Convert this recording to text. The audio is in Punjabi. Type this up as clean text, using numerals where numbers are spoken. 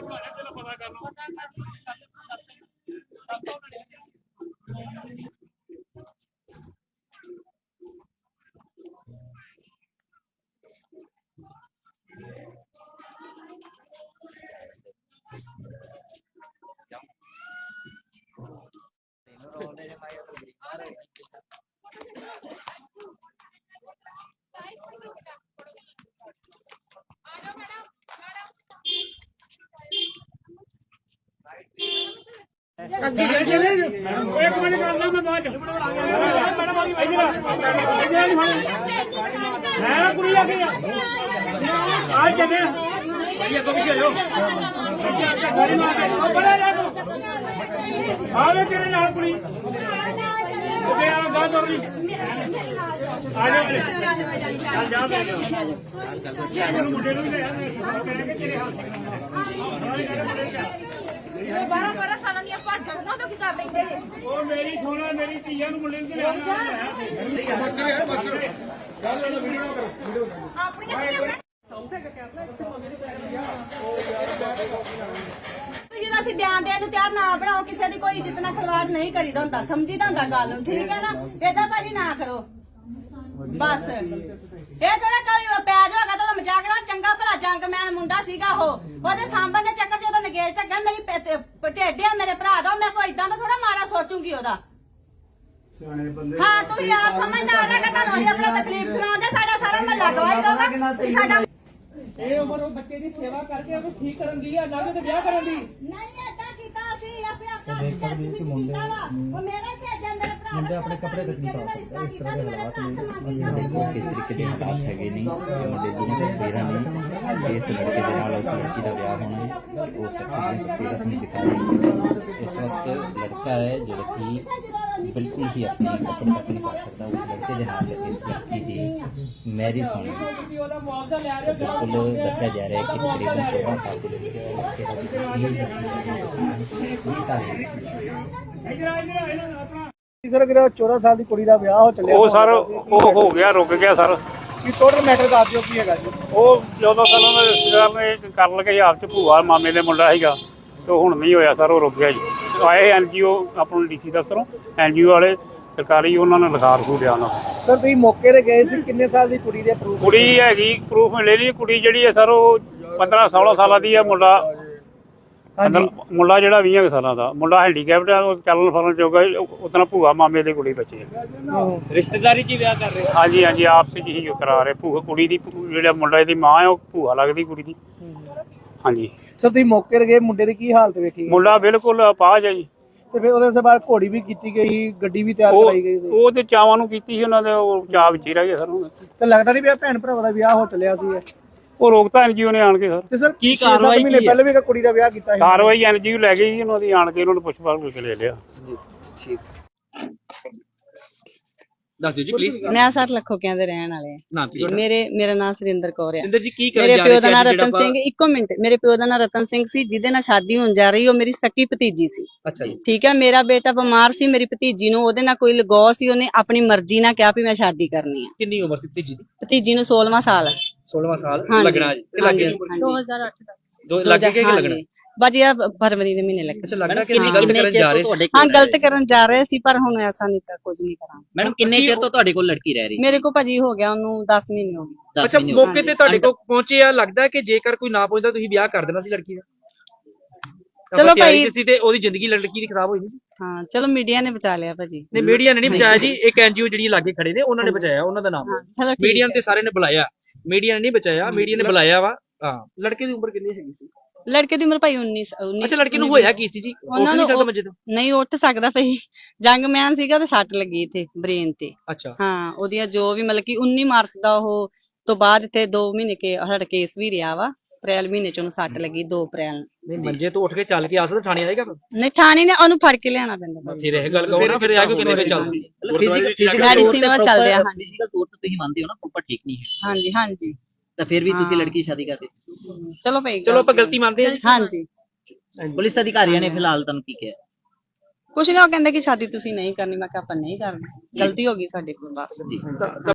एक मिनट कर लो मैं बाद मैं कुड़ी लगी आज चले भैया को पीछे लो आवे तेरे नाल कुड़ी ओके आ गा कर ली आ जा चल जा चल मुंडे ਨੂੰ ਲੈ ਆ ਮੈਂ ਕਿ ਤੇਰੇ ਹੱਥ बारह बारह साल कर लेंगे मेरी सोना मेरी धीया मुंडे बयान देने तैयार ना बनाओ किसी की कोई जितना खिलवाड़ नहीं करीदा होंदा समझीदा होंदा गल ठीक है ना एदा भाजी ना करो बस ये थोड़ा कोई पैर होगा तो मजाक ना चंगा भला जंगमैन मुंडा सीगा ओदे सांभन दे चक्कर च ओदा नगेज ढक्का मेरी ढेड है मेरे भरा दा मैं कोई इदां दा थोड़ा मारा सोचूंगी ओदा हाँ तुम आप समझदार है कि तुहानू अपना तकलीफ सुनाओगे साडा सारा महल्ला गवाही दोगा साडा ਇਹ ਉਮਰ ਉਹ ਬੱਚੇ ਦੀ ਸੇਵਾ ਕਰਕੇ ਉਹਨੂੰ ਠੀਕ ਕਰਨ ਦੀ ਆ ਨਾ ਕਿ ਵਿਆਹ ਕਰਨ ਦੀ ਨਹੀਂ ਏਦਾਂ ਕੀਤਾ ਅਸੀਂ ਆਪੇ ਆਪਣਾ ਕੀਤਾ ਵਾ ਉਹ ਮੇਰੇ ਭੇਜਿਆ ਮੇਰੇ ਭਰਾ ਮੁੰਡੇ ਆਪਣੇ ਕੱਪੜੇ ਤੱਕ ਨਹੀਂ ਪਾ ਸਕਦੇ ਇਸ ਤਰ੍ਹਾਂ ਦੇ ਹਾਲਾਤ ਨੇ ਅਸੀਂ ਦੇਖੋ ਕਿਸ ਤਰੀਕੇ ਦੇ ਹਾਲਾਤ ਹੈਗੇ ਨਹੀਂ ਮੁੰਡੇ ਦੀਆਂ ਤਸਵੀਰਾਂ ਨੇ ਇਸ ਲੜਕੇ ਦੇ ਨਾਲ ਉਸ ਲੜਕੀ ਦਾ ਵਿਆਹ ਹੋਣਾ ਹੈ ਉਹ ਸਭ ਤਸਵੀਰਾਂ ਨਹੀਂ ਦਿਖਾ ਰਹੀ ਇਸ ਵਕਤ ਲੜਕਾ ਹੈ ਜਿਹੜਾ ਕਿ ਬਿਲਕੁਲ ਹੀ ਆਪਣੀ ਕੱਪੜੇ ਤੱਕ ਨਹੀਂ ਪਾ ਸਕਦਾ ਉਸ ਲੜਕੇ ਦੇ ਨਾਲ ਇਸ ਲੜਕੀ ਦੀ ਮੈਰਿਜ ਹੋਣੀ ਬਿਲਕੁਲ ਦੱਸਿਆ ਜਾ ਰਿਹਾ ਹੈ ਕਿ ਤਕਰੀਬਨ 14 ਸਾਲ ਦੇ ਲੜਕੇ ਸਰ ਅਗਰ 14 ਸਾਲ ਦੀ ਕੁੜੀ ਦਾ ਵਿਆਹ ਹੋ ਚੱਲਿਆ ਉਹ ਸਰ ਉਹ ਹੋ ਗਿਆ ਰੁਕ ਗਿਆ ਸਰ ਕੀ ਟੋਟਲ ਮੈਟਰ ਦੱਸ ਦਿਓ ਕੀ ਹੈਗਾ ਜੀ ਉਹ 14 ਸਾਲਾਂ ਦਾ ਰਿਸ਼ਤੇਦਾਰ ਨੇ ਕਰਨ ਲੱਗੇ ਆਪ ਚ ਭੂਆ ਮਾਮੇ ਦੇ ਮੁੰਡਾ ਸੀਗਾ ਤੇ ਹੁਣ ਨਹੀਂ ਹੋਇਆ ਸਰ ਉਹ ਰੁਕ ਗਿਆ ਜੀ ਆਏ ਐਨਜੀਓ ਆਪਣਾ ਡੀਸੀ ਦਫ਼ਤਰੋਂ ਐਨਜੀਓ ਵਾਲੇ ਸਰਕਾਰੀ ਉਹਨਾਂ ਨੇ ਲਿਖਾ ਰਖੂ ਲਿਆ ਉਹਨਾਂ ਸਰ ਤੁਸੀਂ ਮੌਕੇ ਤੇ ਗਏ ਸੀ ਕਿੰਨੇ ਸਾਲ ਦੀ ਕੁੜੀ ਦੇ ਪ੍ਰੂਫ ਕੁੜੀ ਹੈਗੀ ਪ੍ਰੂਫ ਮਿਲੇ ਨਹੀਂ ਕੁੜੀ ਜਿਹੜੀ ਹੈ ਸਰ ਉਹ 15-16 ਸਾਲਾਂ ਦੀ ਹੈ ਮੁੰਡਾ ਜਿਹੜਾ 20 ਸਾਲਾਂ ਦਾ ਮੁੰਡਾ ਹੈਂਡੀਕੈਪਟ ਹੈ ਉਹ ਚੱਲਣ ਫਿਰਨ ਜੋਗਾ ਉਤਨਾ ਭੂਆ ਮਾਮੇ ਦੇ ਕੁੜੀ ਬੱਚੇ ਰਿਸ਼ਤੇਦਾਰੀ 'ਚ ਵਿਆਹ ਕਰ ਰਹੇ ਹਾਂਜੀ ਹਾਂਜੀ ਆਪਸ 'ਚ ਹੀ ਕਰਾ ਰਹੇ ਭੂਆ ਕੁੜੀ ਦੀ ਜਿਹੜਾ ਮੁੰਡਾ ਦੀ ਮਾਂ ਹੈ ਉਹ ਭੂਆ ਲੱਗਦੀ ਕੁੜੀ ਦੀ ਹਾਂਜੀ ਸਰ ਤੁਸੀਂ ਮੌਕੇ ਤੇ ਗਏ ਮੁੰਡੇ ਦੀ ਕੀ ਹਾਲਤ ਵੇਖੀ ਮੁੰਡਾ ਬਿਲਕੁਲ ਅਪਾਹਜ ਹੈ ਜੀ ਤੇ ਫਿਰ ਉਹਦੇ ਬਾਅਦ ਘੋੜੀ ਵੀ ਕੀਤੀ ਗਈ ਗੱਡੀ ਵੀ ਤਿਆਰ ਕਰਾਈ ਗਈ ਸੀ ਉਹ ਤੇ ਚਾਵਾਂ ਨੂੰ ਕੀਤੀ ਸੀ ਉਹਨਾਂ ਦੇ ਉਹ ਚਾਅ ਵਿੱਚ ਹੀ ਰਹਿ ਗਏ ਸਰ ਤੇ ਲੱਗਦਾ ਨਹੀਂ ਵੀ ਭੈਣ ਭਰਾਵਾਂ ਦਾ ਵਿਆਹ ਹੋ ਚੱਲਿਆ ਸੀ ਉਹ ਰੋਕਤਾ ਐਨਜੀਓ ਨੇ ਆਣ ਕੇ ਸਰ ਤੇ ਸਰ ਕੀ ਕਾਰਵਾਈ ਮਹੀਨੇ ਪਹਿਲੇ ਵੀ ਕੁੜੀ ਦਾ ਵਿਆਹ ਕੀਤਾ ਸੀ ਕਾਰਵਾਈ ਐਨਜੀਓ ਲੈ ਗਈ ਉਹਨਾਂ ਦੀ ਆਣ ਕੇ ਉਹਨਾਂ ਨੂੰ ਪੁੱਛ-ਪਾਛ ਕਰਕੇ ਲੈ ਲਿਆ ਜੀ ਠੀਕ ਦੱਸ ਦਿਓ ਜੀ ਪਲੀਜ਼ ਨਿਆ ਸਰ ਲੱਖੋਕਿਆਂ ਦੇ ਰਹਿਣ ਵਾਲੇ ਮੇਰਾ ਨਾਮ ਸੁਰਿੰਦਰ ਕੌਰ ਹੈ ਸਿੰਦਰ ਜੀ ਕੀ ਕਰਨ ਮੇਰੇ ਜਾ ਪਿਓ ਦਾ ਨਾਮ ਰਤਨ ਸਿੰਘ ਇੱਕੋ ਮਿੰਟ ਮੇਰੇ ਪਿਓ ਦਾ ਨਾਮ ਰਤਨ ਸਿੰਘ ਸੀ ਜਿਹਦੇ ਨਾਲ ਸ਼ਾਦੀ ਹੋਣ ਜਾ ਰਹੀ ਉਹ ਮੇਰੀ ਸਕੀ ਭਤੀਜੀ ਸੀ ਅੱਛਾ ਜੀ ਠੀਕ ਹੈ ਮੇਰਾ ਬੇਟਾ ਬਿਮਾਰ ਸੀ ਮੇਰੀ ਭਤੀਜੀ ਨੂੰ ਉਹਦੇ ਨਾਲ ਕੋਈ ਲਗਾਅ ਸੀ ਉਹਨੇ ਆਪਣੀ ਮਰਜ਼ੀ ਨਾਲ ਕਿਹਾ ਵੀ ਮੈਂ ਸ਼ਾਦੀ ਕਰਨੀ ਹੈ ਕਿੰਨੀ ਉਮਰ ਸੀ ਭਤੀਜੀ ਦੀ ਭਤੀਜੀ ਨੂੰ 16ਵਾਂ ਸਾਲ 16ਵਾਂ ਸਾਲ ਲੱਗਣਾ ਜੀ ਇਹ ਲੱਗੇ 2008 ਦੋ ਲੱਗੇ ਕਿ ਲੱਗਣਾ ਬਾਜੀ ਆ ਫਰਵਰੀ ਦੇ ਮਹੀਨੇ ਲੱਗੇ ਅੱਛਾ ਲੱਗਦਾ ਕਿ ਗਲਤ ਕਰਨ ਜਾ ਰਹੇ ਸੀ ਹਾਂ ਗਲਤ ਕਰਨ ਜਾ ਰਹੇ ਸੀ ਪਰ ਹੁਣ ਐਸਾ ਨਹੀਂ ਤਾਂ ਕੁਝ ਨਹੀਂ ਕਰਾਂਗੇ ਮੈਡਮ ਕਿੰਨੇ ਚਿਰ ਤੋਂ ਤੁਹਾਡੇ ਕੋਲ ਲੜਕੀ ਰਹਿ ਰਹੀ ਮੇਰੇ ਕੋ ਭਾਜੀ ਹੋ ਗਿਆ ਉਹਨੂੰ 10 ਮਹੀਨੇ ਹੋ ਗਏ ਅੱਛਾ ਮੌਕੇ ਤੇ ਤੁਹਾਡੇ ਕੋਲ ਪਹੁੰਚੇ ਆ ਲੱਗਦਾ ਕਿ ਜੇਕਰ ਕੋਈ ਨਾ ਪਹੁੰਚਦਾ ਤੁਸੀਂ ਵਿਆਹ ਕਰ ਦੇਣਾ ਸੀ ਲੜਕੀ ਦਾ ਚਲੋ ਭਾਈ ਤੇ ਉਹਦੀ ਜ਼ਿੰਦਗੀ ਲੜਕੀ ਦੀ ਖਰਾਬ ਹੋਈ ਨਹੀਂ ਸੀ ਹਾਂ ਚਲੋ ਮੀਡੀਆ ਨੇ ਬਚਾ ਲਿਆ ਭਾਜੀ ਨਹੀਂ ਮੀਡੀਆ ਨੇ ਨਹੀਂ ਬਚਾਇਆ ਜੀ ਇੱਕ ਐਨਜੀਓ ਜਿਹੜੀ ਲਾਗੇ ਖੜੇ ਨੇ ਉਹਨਾਂ ਨੇ ਬਚਾਇਆ ਉਹਨਾਂ ਦਾ ਨਾਮ ਚਲੋ ਮੀਡੀਆ ਤੇ ਸਾਰੇ ਨੇ ਬੁਲਾਇਆ ਮੀਡੀਆ ਨੇ ਨਹੀਂ ਬਚਾਇਆ ਮੀਡੀਆ ਨੇ ਬੁਲਾਇਆ ਵਾ ਹਾਂ ਲੜਕੇ ਦੀ ਉਮਰ ਕਿੰਨੀ ਹੈਗੀ ਸੀ ਲੜਕੇ ਦੀ ਉਮਰ ਭਾਈ 19 ਅੱਛਾ ਲੜਕੀ ਨੂੰ ਹੋਇਆ ਕੀ ਸੀ ਜੀ ਉਹਨਾਂ ਨੂੰ ਨਹੀਂ ਉੱਠ ਸਕਦਾ ਭਾਈ ਜੰਗਮੈਨ ਸੀਗਾ ਤੇ ਸੱਟ ਲੱਗੀ ਇੱਥੇ ਬ੍ਰੇਨ ਤੇ ਅੱਛਾ ਹਾਂ ਉਹਦੀਆਂ ਜੋ ਵੀ ਮਤਲਬ ਕਿ 19 ਮਾਰਚ ਦਾ ਉਹ ਤੋਂ ਬਾਅਦ ਇੱਥੇ 2 ਮਹੀਨੇ ਕੇ ਹੜ ਕੇਸ ਵੀ ਰਿਹਾ ਵਾ ਅਪ੍ਰੈਲ ਮਹੀਨੇ ਚ ਉਹਨੂੰ ਸੱਟ ਲੱਗੀ 2 ਅਪ੍ਰੈਲ ਨਹੀਂ ਮੰਜੇ ਤੋਂ ਉੱਠ ਕੇ ਚੱਲ ਕੇ ਆ ਸਕਦਾ ਥਾਣੇ ਆਏਗਾ ਨਹੀਂ ਥਾਣੇ ਨੇ ਉਹਨੂੰ ਫੜ ਕੇ ਲਿਆਣਾ ਪੈਂਦਾ ਫਿਰ ਇਹ ਗੱਲ ਕਹੋ ਨਾ ਫਿਰ ਆ ਕੇ ਕਿੰਨੇ ਵੇ ਚੱਲਦੀ ਮੈਡੀਸਿਨ ਚੱਲਦੇ ਆ ਹਾਂਜੀ ਫਿਜ਼ੀਕਲ ਤੌਰ ਤੇ ਤੁਸੀਂ ਮੰਨਦੇ ਹੋ ਨਾ ਉੱਪਰ ਠੀਕ ਨਹੀਂ ਹੈ ਹਾਂਜੀ ਹਾਂਜੀ ਤਾਂ ਫਿਰ ਵੀ ਤੁਸੀਂ ਲੜਕੀ ਸ਼ਾਦੀ ਕਰਦੇ ਚਲੋ ਭਾਈ ਚਲੋ ਆਪਾਂ ਗਲਤੀ ਮੰਨਦੇ ਹਾਂ ਹਾਂਜੀ ਪੁਲਿਸ ਅਧਿਕਾਰੀਆਂ ਨੇ ਫਿਲਹਾਲ ਤੁਹਾਨੂੰ ਕੀ ਕਿਹਾ ਕੁਛ ਨਹੀਂ ਉਹ ਕਹਿੰਦੇ ਕਿ ਸ਼ਾਦੀ ਤੁਸੀਂ ਨਹੀਂ ਕਰਨੀ ਮੈਂ ਕਿਹਾ ਆਪਾਂ ਨਹੀਂ ਕਰਨੀ ਗਲਤੀ ਹੋ ਗਈ ਸਾਡੇ ਕੋਲ ਬਸ ਜੀ